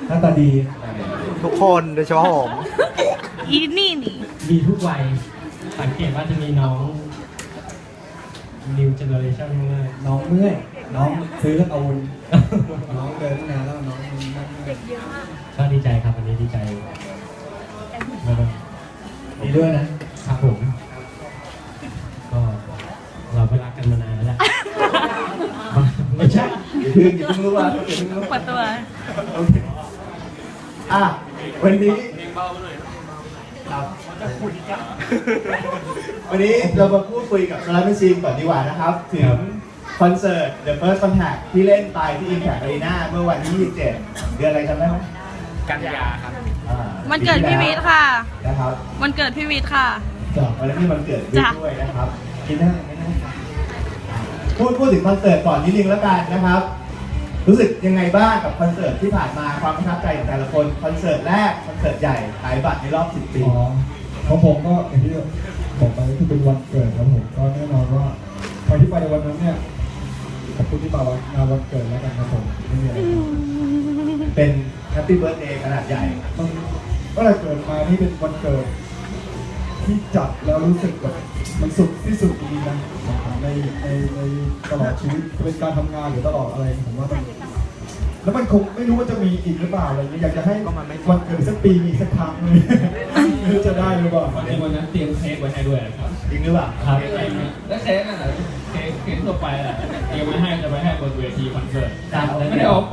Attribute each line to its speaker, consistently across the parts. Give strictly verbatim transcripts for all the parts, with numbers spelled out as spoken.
Speaker 1: หน้าตาดี
Speaker 2: ทุกคนโดยเฉพาะผม
Speaker 3: อีนี่นี่
Speaker 1: มีทุกวัยสังเกตว่าจะมีน้อง new generation มากน้องเมื่อยน้องซื้อแล้วเอาน้องเดินนานแล้วน้องเด็กเยอะมากก็ดีใจครับวันนี้ดีใจดีด้วยนะครับผมก็เราก็รักกันมานานแล้วแหละไม่ใช่อย่าเพิ่งอย่าเพิ่งรู้ว่าอย่าเพิ่งรู้
Speaker 3: ปัดตัว
Speaker 1: โอเคอ่ะวันนี้ครับวันนี้เรามาพูดคุยกับสไลด์แมชชีนก่อนดีกว่านะครับถึงคอนเสิร์ต The First Contact ที่เล่นไปที่ Impact Arena เมื่อวันที่ยี่สิบเจ็ดเดือนอะไรจำได้ไหมกันยาครับ
Speaker 3: มันเกิดพี่วิทย์ค่ะ
Speaker 1: นะครับ
Speaker 3: มันเกิดพี่วิทย์ค่ะ
Speaker 1: จ้ะวันนี้มันเกิดวิทย์ด้วยนะครับคิดได้ไหมนะพูดพูดถึงคอนเสิร์ตก่อนนิดนึงแล้วกันนะครับรู้สึกยังไงบ้างกับคอนเสิร์ตที่ผ่านมาความประทับใจของแต่ละคนคอนเสิร์ตแรกคอนเสิร์ตใหญ่ขายบัตรในรอบสิบปี
Speaker 4: ของผมก็อย่างที่บอกไปที่เป็นวันเกิดครับผมก็แน่นอนว่าพอที่ไปในวันนั้นเนี่ยขอบคุณที่มางานวันเกิดแล้วกันครับผมไม่มีอะไร
Speaker 1: เป็นแฮปปี้เบิร์ธเดย์ขนาดใหญ่
Speaker 4: มันก็เลยเกิดมานี่เป็นวันเกิดที่จัดแล้วรู้สึกแบบมันสุดที่สุดดีนะในในในตลอดชีวิตจะเป็นการทำงานหรือตลอดอะไรผมว่ามันแล้วมันคงไม่รู้ว่าจะมีอีกหรือเปล่าอะไรเงี้ยอยากจะให้วันเกิดสักปีมีสักครั้งเลยไม่รู้จะได้หรือเปล่า
Speaker 5: ในวันนั้นเตรียมเค้กไว้ให้ด้วยครับ
Speaker 1: จริงหรือเปล่า
Speaker 5: ครับแล้วเค้กนั่นแหละเค้กเค้กทั่วไปแหละเตรียมไว้ให้จะไปให้บนเวทีคอนเสิร์ตไม่ได้ออกไป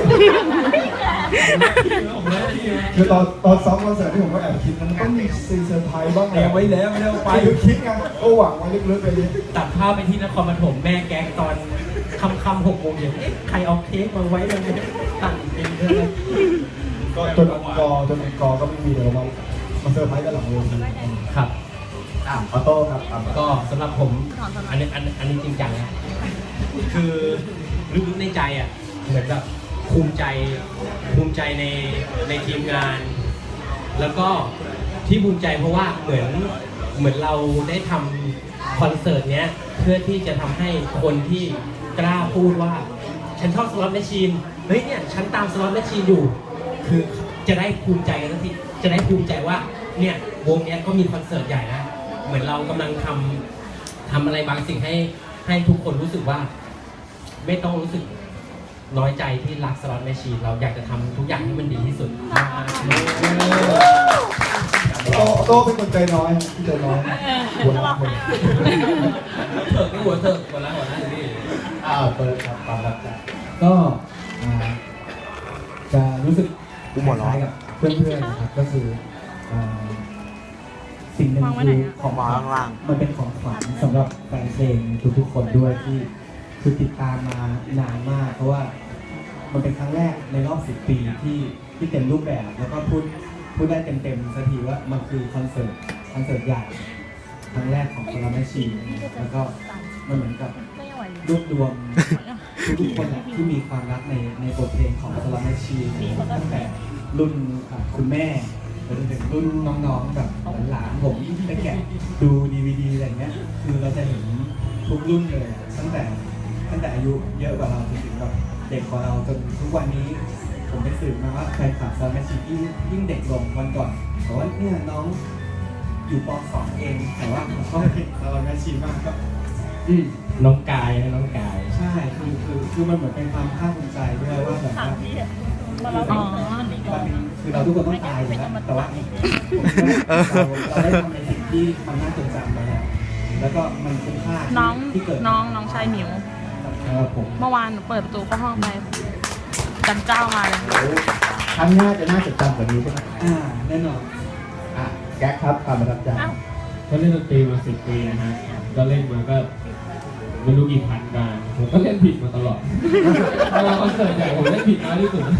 Speaker 4: คือตอนตอนซ้อมคอนเสิร์ตที่ผมก็แอบคิดมันต้องมีซีเซอร์ไพรส์บ้าง
Speaker 5: เตรียมไว้แล้วไม่ได้ออกไป
Speaker 4: คือคิดไงก็หวังไว้ลึกๆไปเลย
Speaker 1: ตัดภาพไปที่นครปฐมแม่แก๊งตอนคำคำหกโมงเย็นใครเอาเค้กมาไว้เลยตั้งเองเลย
Speaker 4: ก็จนอังกอร์จนอังกอร์ก็ไม่มีเดี๋ยวมามาเซอร์ไพรส์กันหลังเวที
Speaker 1: ครับอ่าออโต้ครับก็สำหรับผมอันนี้อันอันนี้จริงจังนะคือลึกๆในใจอ่ะเหมือนแบบภูมิใจภูมิใจในในทีมงาน แล้วก็ที่ภูมิใจเพราะว่าเหมือนเหมือนเราได้ทำคอนเสิร์ตเนี้ยเพื่อที่จะทำให้คนที่กล้าพูดว่าฉันชอบสล็อตแมชชีนเฮ้ยเนี่ยฉันตามสล็อตแมชชีนอยู่คือจะได้ภูมิใจกันทันทีจะได้ภูมิใจว่าเนี่ยวงเนี้ยก็มีคอนเสิร์ตใหญ่นะเหมือนเรากำลังทำทำอะไรบางสิ่งให้ให้ทุกคนรู้สึกว่าไม่ต้องรู้สึกน้อยใจที่รักสล็อตแมชชีนเราอยากจะทำทุกอย่างให้มันดีที่สุด
Speaker 4: โตโตเป็นคนใจน้อยที่ใจน้อยหัวละคน
Speaker 5: เถิกนี่หัวเถิกหัวละหัวละนี่
Speaker 1: อ้าวเปิดครับความรักใจ
Speaker 4: ก็จะรู้สึกคล้ายกับเพื่อนๆนะครับก็คือสิ่งหนึ่งคือของขวัญมันเป็นของขวัญสำหรับแฟนเพลงทุกๆคนด้วยที่คือติดตามมานานมากเพราะว่ามันเป็นครั้งแรกในรอบสิบปีที่ที่เต็มรูปแบบแล้วก็พูดพูดได้เต็มๆสักทีว่ามันคือคอนเสิร์ตคอนเสิร์ตใหญ่ครั้งแรกของสลัมแมชชีนแล้วก็มันเหมือนกับรวบรวมทุกๆคนแหละที่มีความรักในในบทเพลงของสลัมแมชชีนตั้งแต่รุ่นคุณแม่จนถึงรุ่นน้องๆแบบหลานผมไปแกะดูดีวีดีอะไรเงี้ยคือเราจะเห็นทุกรุ่นเลยตั้งแต่ตั้งแต่อายุเยอะกว่าเราจนถึงแบบเด็กกว่าเราจนทุกวันนี้ผมไปสืบมาว่าแฟนคลับสลัมแมชชีนยิ่งเด็กลงวันก่อนแต่ว่าเนี่ยน้องอยู่ป สอง เองแต่ว่าผมชอบเพลงสลัมแมชชีนมากก็
Speaker 1: น้องกายนะน้องกาย
Speaker 4: ใช่คือคือคือมันเหมือนเป็นความภาคภูมิใจด้วยว่าแบบว่าคือเราทุกคนต้องตายอยู่แล้วแต่ว่าเราเราได้ทำในสิ่งที่มันน่าจดจำไปแล้วแล้วก็มันเป็นค่าที่เกิด
Speaker 3: น้องน้องชายหมิวเมื่อวานหนูเปิดประตูเข้าห้องไปจันเจ้ามาเลย
Speaker 1: ครั้งหน้าจะน่าจดจำกว่านี้ใช่ไหม
Speaker 4: อ่าแน่นอน
Speaker 1: อ่ะแก๊กครับความประทับใจ
Speaker 5: ก็เล่นดนตรีมาสิบปีนะฮะก็เล่นมาก็ไม่รู้กี่พันการผมก็เล่นผิดมาตลอดมาคอนเสิร์ตใหญ่ผมเล่นผิดน้อยที่สุด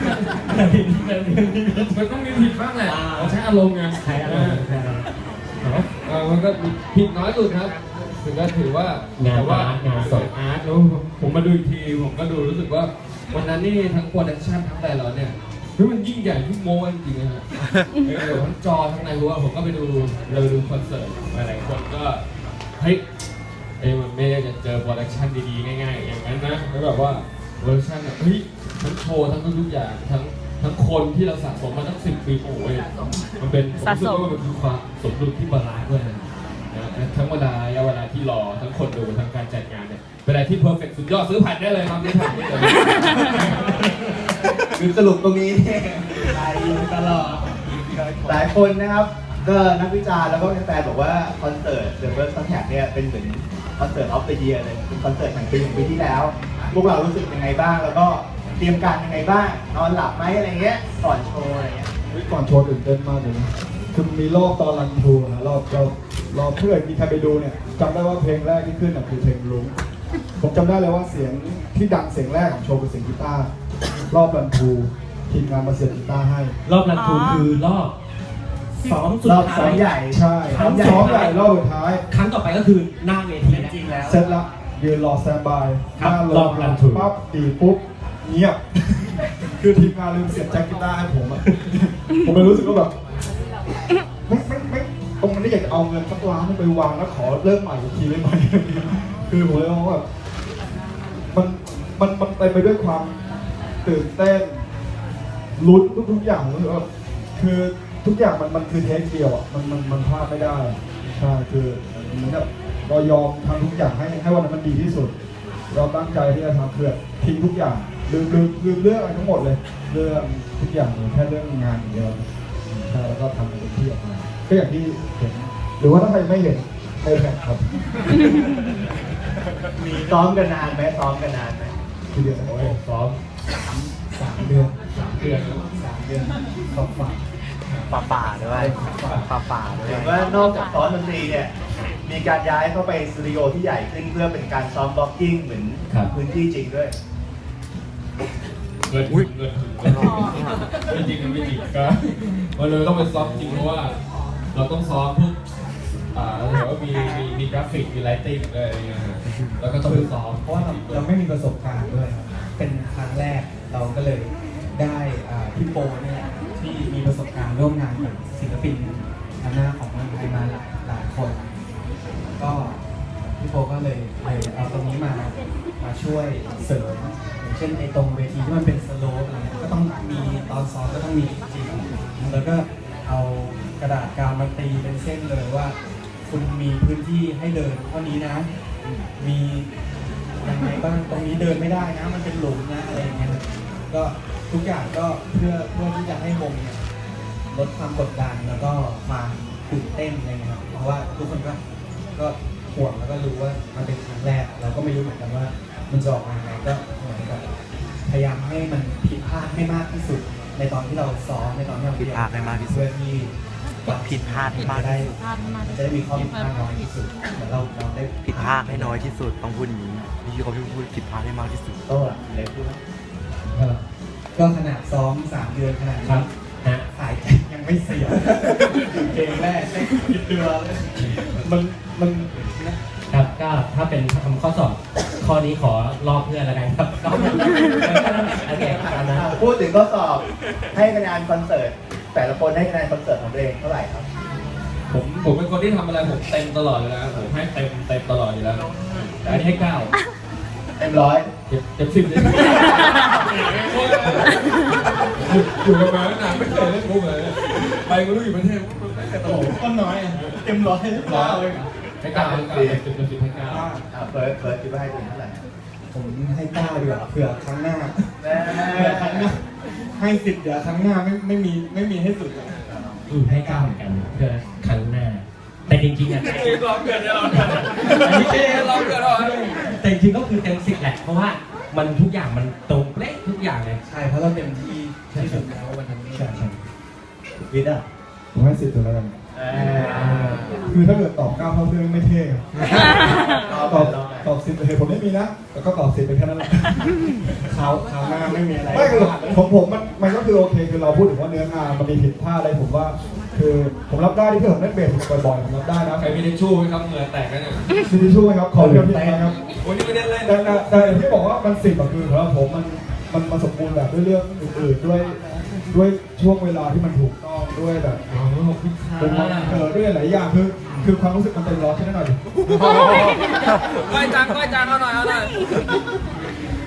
Speaker 5: มันต้องมีผิดบ้างแหละเราใช้อารมณ์ไง
Speaker 1: ใช้อารมณ์
Speaker 5: มันก็ผิดน้อยสุดครับถึงก็ถือว่างานว่างานสดอาร์ตแล้วผมมาดูอีกทีผมก็ดูรู้สึกว่าวันนั้นนี่ทั้งโปรดักชั่นทั้งแต่ละเนี่ยคือมันยิ่งใหญ่ทุกโมงจริงๆนะฮะเดี๋ยวทั้งจอทั้งในหัวผมก็ไปดูเราดูคอนเสิร์ตหลายคนก็เฮ้ยเอ้มันไม่ได้จะเจอโปรดักชั่นดีๆง่ายๆอย่างนั้นนะแล้วแบบว่าโปรดักชั่นแบบเฮ้ยทั้งโชว์ทั้งทุกอย่างทั้งทั้งคนที่เราสะสมมาตั้งสิบปีโอ้ยมันเป็นผมรู้สึกว่ามันคือความสมดุลที่บาลานซ์ด้วยนะนะทั้งเวลาระยะเวลาที่รอทั้งคนดูทั้งการจัดงานเนี่ยเวลาที่เพอร์เฟกต์สุดยอดซื้อผ่านได้เลยครับซื้อผ่านได้เลย
Speaker 4: คือสรุปตรงนี้เนี่ยไปตลอดหลายคนนะครับก็นักวิจารณ์แล้วก็แฟนๆบอกว่าคอนเสิร์ต The First Contact เนี่ยเป็นเหมือนคอนเสิร์ต of the year เลยเป็นคอนเสิร์ตแห่งปีของปีที่แล้ว พวกเรารู้สึกยังไงบ้างแล้วก็เตรียมการยังไงบ้างนอนหลับไหมอะไรเงี้ยก่อนโชว์อะไรเงี้ย
Speaker 6: ก่อนโชว์ตื่นเต้นมากเลยนะคือมีรอบตอนรันทรูนะรอบรอบรอบเพื่อนมีใครไปดูเนี่ยจำได้ว่าเพลงแรกที่ขึ้นคือเพลงรุ้งผมจำได้เลยว่าเสียงที่ดังเสียงแรกของโชว์เป็นเสียงกีตาร์รอบรันทรูทีมงานมาเสียบกีตาร์ให้
Speaker 1: รอบรันทูคือรอบซ้อมสุด
Speaker 4: รอบซ้
Speaker 1: ท้า
Speaker 4: อย มใหญ่
Speaker 6: ใช่
Speaker 1: ครั้งใหญ่
Speaker 6: ซ้อมใหญ่รอบสุดท้าย
Speaker 1: ครั้งต่อไปก็คือหน้าเวทีจริงแล้ว
Speaker 6: เสร็จละยืนรอสแตนบาย
Speaker 1: ครับ
Speaker 6: หน้า
Speaker 1: รอบรันทรู
Speaker 6: ปั๊บตีปุ๊บเงียบ คือทีมงานลืมเสียบแจ็คกีตาร์ให้ผมอะ ผมเลยรู้สึกว่าแบบไม่ไม่ไม่ตรงนั้นอยากจะเอาเงินสักล้านไปวางแล้วขอเริ่มใหม่อีกทีได้ไหม คือผมเลยมองว่าแบบมันมันมันไปไปด้วยความตื่นเต้นลุ้นทุกๆอย่างผมรู้สึกว่าคือทุกอย่างมันมันคือเทคเดียวอ่ะมันมันมันพลาดไม่ได้ใช่คือเหมือนกับเรายอมทำทุกอย่างให้ให้วันนั้นมันดีที่สุด เราตั้งใจที่จะทำเพื่อทิ้งทุกอย่างลืมลืมลืมเรื่องอะไรทั้งหมดเลยเรื่องทุกอย่างเลยแค่เรื่องงานอย่างเดียวใช่แล้วก็ทำเต็มที่ออกมาก็อย่างที่เห็นหรือว่าถ้าใครไม่เห็นในแผ่นครับ
Speaker 4: มีซ้อมกันนานไหมซ้อมกันนานไหม
Speaker 6: ทีเดียว
Speaker 5: โอ้ยซ้อม
Speaker 6: สามเดือน
Speaker 5: สามเดือน
Speaker 6: สามเดือนสองฝั่ง
Speaker 2: ป่าป่าด้วยป่าป่าด้วย
Speaker 4: เห็นว่านอกจากซ้อมดนตรีเนี่ยมีการย้ายเข้าไปสตูดิโอที่ใหญ่ขึ้นเพื่อเป็นการซ้อมบล็อกกิ้งเหมือนพื้นที่จริงด้วย
Speaker 5: เงินถึงเงินถึงเงินถึงไม่จริงมันไม่จริงก็มันเลยต้องไปซ้อมจริงเพราะว่าเราต้องซ้อมพวกอ่าเราเห็นว่ามีมีมีกราฟิกมีไลติ้งอะไรอย่างเงี้ยฮะแล้วก็ต้องไปซ้อม
Speaker 7: เพราะว่าเราเราไม่มีประสบการณ์ด้วยครับ เป็นครั้งแรกเราก็เลยได้อ่าพี่โปเนี่ยแหละที่มีประสบการณ์ร่วมงานกับศิลปินทางหน้าของเมืองไทยมาหลายหลายคน ก็พี่โปก็เลยเลยเอาตรงนี้มามาช่วยเสริมอย่างเช่นไอ้ตรงเวทีที่มันเป็นสโลปอะไรเงี้ยก็ต้องมีตอนซ้อมก็ต้องมีจริงแล้วก็เอากระดาษกาวมาตีเป็นเส้นเลยว่า คุณมีพื้นที่ให้เดินเท่านี้นะ มียังไงบ้างตรงนี้เดินไม่ได้นะ มันเป็นหลุมนะอะไรอย่างเงี้ยก็ทุกอย่างก็เพื่อเพื่อที่จะให้วงเนี่ยลดความกดดันแล้วก็ความตื่นเต้นอะไรเงี้ยครับเพราะว่าทุกคนก็ก็ห่วงแล้วก็รู้ว่ามันเป็นครั้งแรก เราก็ไม่รู้เหมือนกันว่ามันจะออกมายังไงก็เหมือนกับพยายามให้มันผิดพลาดให้มากที่สุด ในตอนที่เราซ้อมในตอนที่เรา
Speaker 2: ผิดพลาดให้มากที่สุด
Speaker 7: เพื่อที่
Speaker 2: ผิดพลาดให้มากที่สุด
Speaker 3: พลาดมาก
Speaker 7: มันจะได้มีข้อผิดพลาดน้อยที่สุดเหมือนเราเราได้
Speaker 2: ผิดพลาดให้น้อยที่สุดต้องพูดอย่างนี้พี่เขาพูดผิดพลาดให้มากที่สุด
Speaker 4: โต้ล่ะเล็กพูด
Speaker 7: ก็ขนาดซ้อมสามเดือนขนาด
Speaker 1: ครั
Speaker 7: นี้
Speaker 1: บฮะ
Speaker 7: ขายยังไม่เสียเกมแรกได้คิดเดือนเลย
Speaker 6: มันมัน
Speaker 1: ครับก็ถ้าเป็นทำข้อสอบข้อนี้ขอลอกเพื่อนแล้วกันครับก็โอเคตามนั้น
Speaker 4: อ่าพูดถึงข้อสอบให้คะแนนคอนเสิร์ตแต่ละคนให้คะแนนคอนเสิร์ตของตัวเองเท่าไหร่ครับ
Speaker 5: ผมผมเป็นคนที่ทำอะไรผมเต็มตลอดเลยนะผมให้เต็มเต็มตลอดอยู่แล้วแต่อันนี้ให้เก้า
Speaker 4: เต็มร้อย
Speaker 5: เต็มเต็มสิบเลยอยู่กันมาตั้งนานไม่เคยเล่นมุกเลยไปก็รู้อยู่ประเทศไม่เคยตลก
Speaker 7: ก็น้อยเต็มร้อย
Speaker 5: ร้อยให้เก้าให้เก้าเต็มเต็มสิบให้เก้า
Speaker 4: อ่าเฟิร์สเฟิร์สคิดว่าให้ตัวเองเท่าไหร่
Speaker 7: ผมให้เก้าดีกว่าเผื่อครั้งหน้า
Speaker 4: แน่
Speaker 7: เผื่อครั้งหน้าให้สิบเดี๋ยวครั้งหน้าไม่ไม่มีไม่มีให้สุดเลย
Speaker 1: อืมให้เก้าเหมือนกันเพื่อครั้งหน้า แต่จริงๆอ่ะ
Speaker 5: ลองเกิดเราอันนี้เองลองเกิดเรา
Speaker 1: แต่จริงๆก็คือเต็มสิบแหละเพราะว่ามันทุกอย่างมันตรงเป๊ะทุกอย่างเลย
Speaker 7: ใช่เพราะเราเต็มที่ที่สุดแล้ววันนั้น
Speaker 6: ใช่ใช่
Speaker 4: วิทย์อ่ะ
Speaker 6: ผมให้สิบตัวแล้วกัน
Speaker 4: เออ
Speaker 6: คือถ้าเกิดตอบเก้าเท่าเพื่อนไม่เท่ครับ
Speaker 4: ตอบ
Speaker 6: ตอบ
Speaker 4: ตอบ
Speaker 6: ตอบสิบเหตุผลไม่มีนะแล้วก็ตอบสิบไปแค่นั้นแหละ
Speaker 7: คราวคราวหน้าไม่มีอะไร
Speaker 6: ไม่คือของผมมันมันก็คือโอเคคือเราพูดถึงว่าเนื้องานมันมีผิดพลาดอะไรผมว่า คือผมรับได้ที่เพื่อนผมเล่นเบสบ่อยๆผมรับได้นะ
Speaker 5: ใครมีทิชชู่ไหมครับเหงื่อแตกกันเนี่ย
Speaker 6: ซีดีช่วยครับขอเรียนพี่นะครับ
Speaker 5: โอ้ยนี่ไม่ได้เล่น
Speaker 6: แต่แต่แต่อย่างที่บอกว่ามันสิบอะคือสำหรับผมมันมันมันสมบูรณ์แบบด้วยเรื่องอื่นๆด้วยด้วยช่วงเวลาที่มันถูกต้องด้วยแบบ
Speaker 5: อ๋อขอบคุณค่ะ
Speaker 6: เป็นเออด้วยหลายอย่างคือคือความรู้สึกมันเต็มร้อยแค่นั้นหน่อยดิ
Speaker 5: ก้อยจังก้อยจังเอาหน่อยเอาหน่อยมี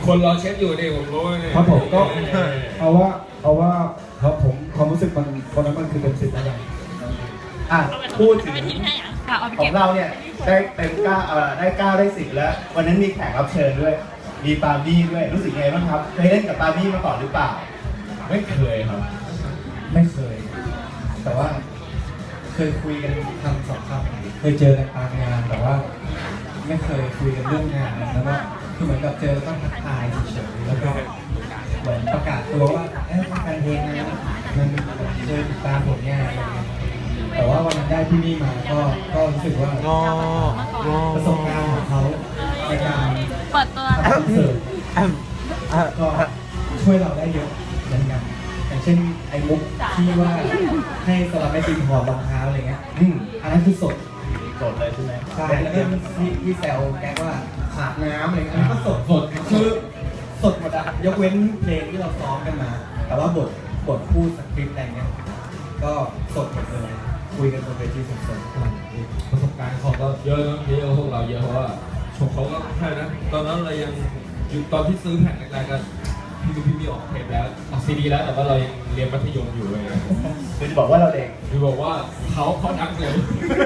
Speaker 5: คนรอเช็ดอยู่ดิผมรู้เนี่ย
Speaker 6: ครับผมก็เอาว่าเอาว่าครับผมความรู้สึกมันคนนั้นมันคือเต็มสิบแล้วกัน
Speaker 8: อ่ะพูดถึง
Speaker 3: ค่ะเอาไป
Speaker 8: ขอ
Speaker 3: เก็
Speaker 8: ง
Speaker 3: บ
Speaker 8: เราเนี่ยได้เต็มเก้าเอ่อได้เก้าได้สิบแล้ว วันนั้นมีแขกรับเชิญด้วย มีปามี่ด้วยรู้สึกไงบ้างครับเคยเล่นกับปามี่มาก่อนหรือเปล่า
Speaker 5: ไม่เคยครับ
Speaker 7: ไม่เคย แต่ว่าเคยคุยกันคำสองคำเคยเจอกันตามงานแต่ว่า ไม่เคยคุยกันเรื่องงานแล้วก็คือเหมือนกับเจอแล้วก็ทักทายเฉยๆแล้วก็เหมือนประกาศตัวว่าเอ้ยทำการเพลงนะมันเจอติดตามผลงานอะไรเงี้ยแต่ว่าวันนั้นได้ที่นี่มาก็ก็รู้สึกว่าง
Speaker 2: องอ
Speaker 7: ประสบการณ์ของเขาในการ
Speaker 3: เปิดตัว
Speaker 7: ทำคอนเสิร์ตก็ช่วยเราได้เยอะเหมือนกันอย่างเช่นไอ้มุกที่ว่าให้สลับไม่ตีนถอดรองเท้าอะไรเงี้ยอืมอันนั้นคือสด
Speaker 8: สดเลยใช่ไหม
Speaker 7: ใช่แล้วก็ที่ที่แซวแกว่าขาดน้ำอะไรเงี้ยอันนี้ก็สดสดคือสดหมดอะยกเว้นเพลงที่เราซ้อมกันมา แต่ว่าบทบทพูดสคริปต์อะไรเงี้ยก็สดหมดเลยคุยกันบนเวทีสดๆ
Speaker 5: ประสบการณ์เขาก็เยอะนะเยอะกว่าพวกเราเยอะเพราะว่าชมเขาก็ใช่นะตอนนั้นเรายังอยู่ตอนที่ซื้อแผ่นแรกๆก็พี่ดูพี่มีออกเทปแล้วออกซีดีแล้วแต่ว่าเรายังเรียนมัธยมอยู่เลย
Speaker 8: คือจะบอกว่าเราเด็ก
Speaker 5: คือบอกว่าเขาเขาดังเร็ว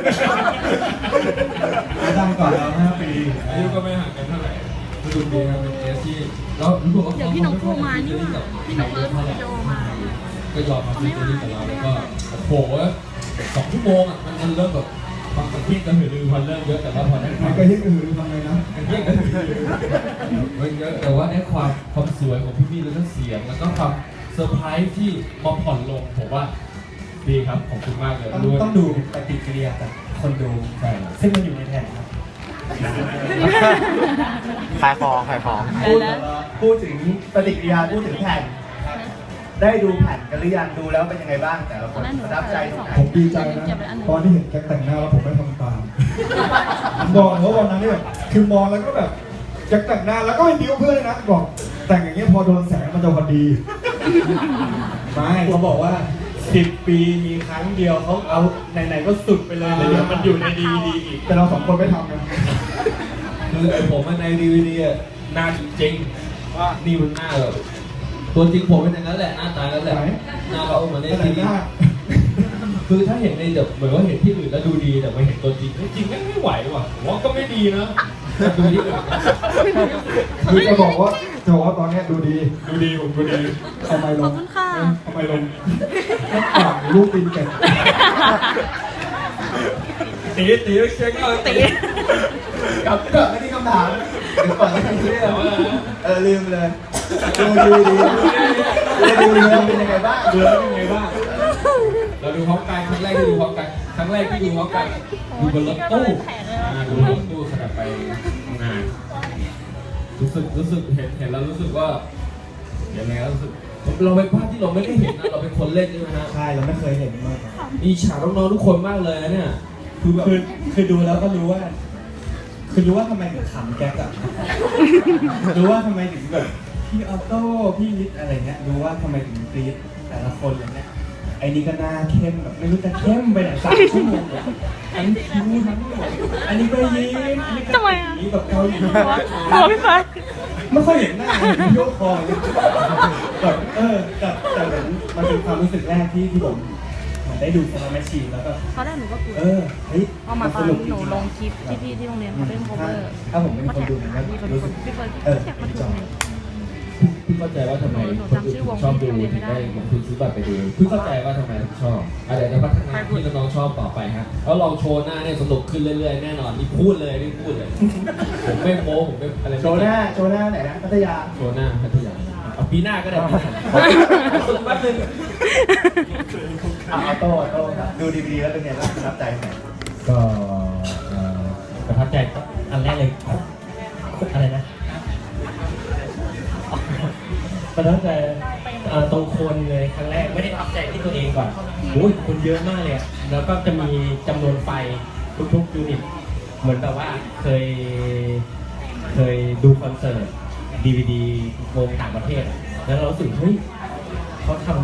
Speaker 7: เขาดังก่อนเราห้าปี
Speaker 5: อายุก็ไม่ห่างกันเท่าไหร่สนุกดีครับเป็นเอสที่แล้วรู้สึกว่า
Speaker 3: เดี๋ยวพี่น้องโทรมานี่หว่าพี่น้องเลิฟวิดีโอมา
Speaker 5: ก็ยอมมาฟิชเจอริ่งกับเราแล้วก็โอ้โหสองชั่วโมงอ่ะมันมันเริ่มแบบบางคนที่กระหือรือพอเริ่มเยอะแต่ว่าพอได้ความ
Speaker 6: ก็ยิ่งอื่นทำไงนะ
Speaker 5: ยิ่งกระหือรือมันเยอะแต่ว่าได้ความความสวยของพี่พี่แล้วก็เสียงแล้วก็ความเซอร์ไพรส์ที่มาผ่อนลงผมว่าดีครับขอบคุณมากเลย
Speaker 7: ต้อง
Speaker 5: ด้วย
Speaker 7: ต้องดูปฏิกิริยาจากคนดู
Speaker 5: ใช่ครับ
Speaker 7: ซึ่งมันอยู่ในแผ่นครับ
Speaker 2: ขายของขายของ
Speaker 8: พูดพูดถึงปฏิกิริยาพูดถึงแผ่น ได้ดูแผ่นกันหรือยังดูแล้วเป็นยังไงบ้างแต่ละคนประทับใจตรงไหน
Speaker 6: ผมดีใจนะตอนที่เห็นแจ็คแต่งหน้าแล้วผมไม่ทำตามผมบอกเพราะวันนั้นเนี่ยคือมองแล้วก็แบบแจ็คแต่งหน้าแล้วก็ไปบิ้วเพื่อนเลยนะบอกแต่งอย่างเงี้ยพอโดนแสงมันจะพอดี
Speaker 7: ไม่เขาบอกว่าสิบปีมีครั้งเดียวเขาเอาไหนๆก็สุดไปเลยแล้วเดี๋ยวมันอยู่ในดีดีอีก
Speaker 6: แต่เราสองคนไม่ทำนะ
Speaker 5: คือไอ้ผมในดีวีดีอ่ะหน้าจริงๆว่านี่มันหน้าแบบตัวจริงผมเป็นอย่างนั้นแหละหน้าตากันแหละหน้าเราเหมือนใน
Speaker 6: แต่
Speaker 5: ที
Speaker 6: งห
Speaker 5: วี
Speaker 6: น้า
Speaker 5: คือถ้าเห็นในแบบเหมือนว่าเห็นที่อื่นแล้วดูดีแต่มาเห็นตัวจริงเฮ้ยจริงไม่ไม่ไหวว่ะผมว่าก็ไม่ดีนะแต่ดูที่อื่น
Speaker 6: คือจะบอกว่าจะบอกว่าตอนเนี้ยดูดี
Speaker 5: ดูดีผมดูดี
Speaker 6: เอาไมค์ล
Speaker 3: ขอบ
Speaker 6: ง
Speaker 3: คุณค่ะ
Speaker 6: เอาไมค์ลงแล้วปากลูกตีนแก่
Speaker 5: ตีตีเช็คเอาตี
Speaker 8: กลับกลับไม่ที่คำถามเดี๋ยวก่อนไม่ทันคิดเลยเออลืมเลยดูดีดีดูดีแล้วเป็นยังไงบ้าง
Speaker 5: ดูแล้วเป็นไงบ้างเราดูพร้อมกันครั้งแรกที่ดูพร้อมกันครั้งแรกที่ดูพร้อมกันดูบนรถตู้อ่าดูรถตู้ขณะไปทำงานรู้สึกรู้สึกเห็นเห็นแล้วรู้สึกว่ายังไงก็รู้สึกเราเป็นภาพที่เราไม่ได้เห็นนะเราเป็นคนเล่นใช่ไหมฮะ
Speaker 7: ใช่เราไม่เคยเห็นมาก่อน
Speaker 5: มีฉากน้องๆทุกคนมากเลยนะเนี่ยคือแบบ
Speaker 7: คือคือดูแล้วก็รู้ว่า คือรู้ว่าทำไมถึงขำแก๊กอะรู้ว่าทำไมถึงแบบพี่ออโต้พี่นิดอะไรเงี้ยรู้ว่าทำไมถึงกรี๊ดแต่ละคนอะไรเงี้ยไอ้นี่ก็หน้าเข้มแบบไม่รู้จะเข้มไปไหนสามชั่วโมงเลยทั้งคิ้วทั้งหมดอันนี้ก็ยิ้มอันนี้ก็
Speaker 3: ทำไมอะ
Speaker 7: ยิ้มแบบเกาหลี
Speaker 3: หัวหัวพี่ฟ้า
Speaker 7: ไม่ค่อยเห็นหน้าเห็นยกคออย่างเงี้ยแบบเออแต่แต่เหมือนมันเป็นความรู้สึกแรกที่ที่ผมเหมือนได้ดูสมาร์ทแมชชีนแล้วก็
Speaker 3: ตอนแรกหนูก็กลัว
Speaker 7: เออเฮ้ย
Speaker 3: เอามาตอนหนูลงคลิปที่พี่ที่โรงเรียนเขาเล่นโคเวอร์
Speaker 7: ถ้าผมเป็นคนดูผมก็
Speaker 3: พี่คน
Speaker 7: รู้สึก
Speaker 3: พี่เฟิร์น
Speaker 7: เออ
Speaker 3: แท็กมาถูกไหม
Speaker 5: พี่เข้าใจว่าทำไมคนอื่นถึงชอบดูถึงได้ลงทุนซื้อบัตรไปดูพี่เข้าใจว่าทำไมถึงชอบอะไรจะพัฒนาที่น้องๆชอบต่อไปฮะแล้วลองโชว์หน้าเนี่ยสนุกขึ้นเรื่อยๆแน่นอนนี่พูดเลยนี่พูดเลย ผมไม่โม้ผมไม่อะไร
Speaker 8: โชว์หน้าโชว์หน้าไหนนะพัทยา
Speaker 5: โชว์หน้าพัทยาเอาปีหน้าก็ได้ปีหน้าฝึกแป๊บนึง
Speaker 8: อ่ะออโต้ออโต้ครับดูดีดีแล้วเป็นไงบ้างประทับใจไหม
Speaker 1: ก็เอ่อประทับใจอันแรกเลยอะไรนะประทับใจเอ่อตรงคนเลยครั้งแรกไม่ได้ประทับใจที่ตัวเองก่อนโอ้ยคนเยอะมากเลยอะแล้วก็จะมีจำนวนไฟทุกๆยูนิตเหมือนแบบว่าเคยเคยดูคอนเสิร์ตดีวีดีวงต่างประเทศอะแล้วเรารู้สึกเฮ้ยเขาทำ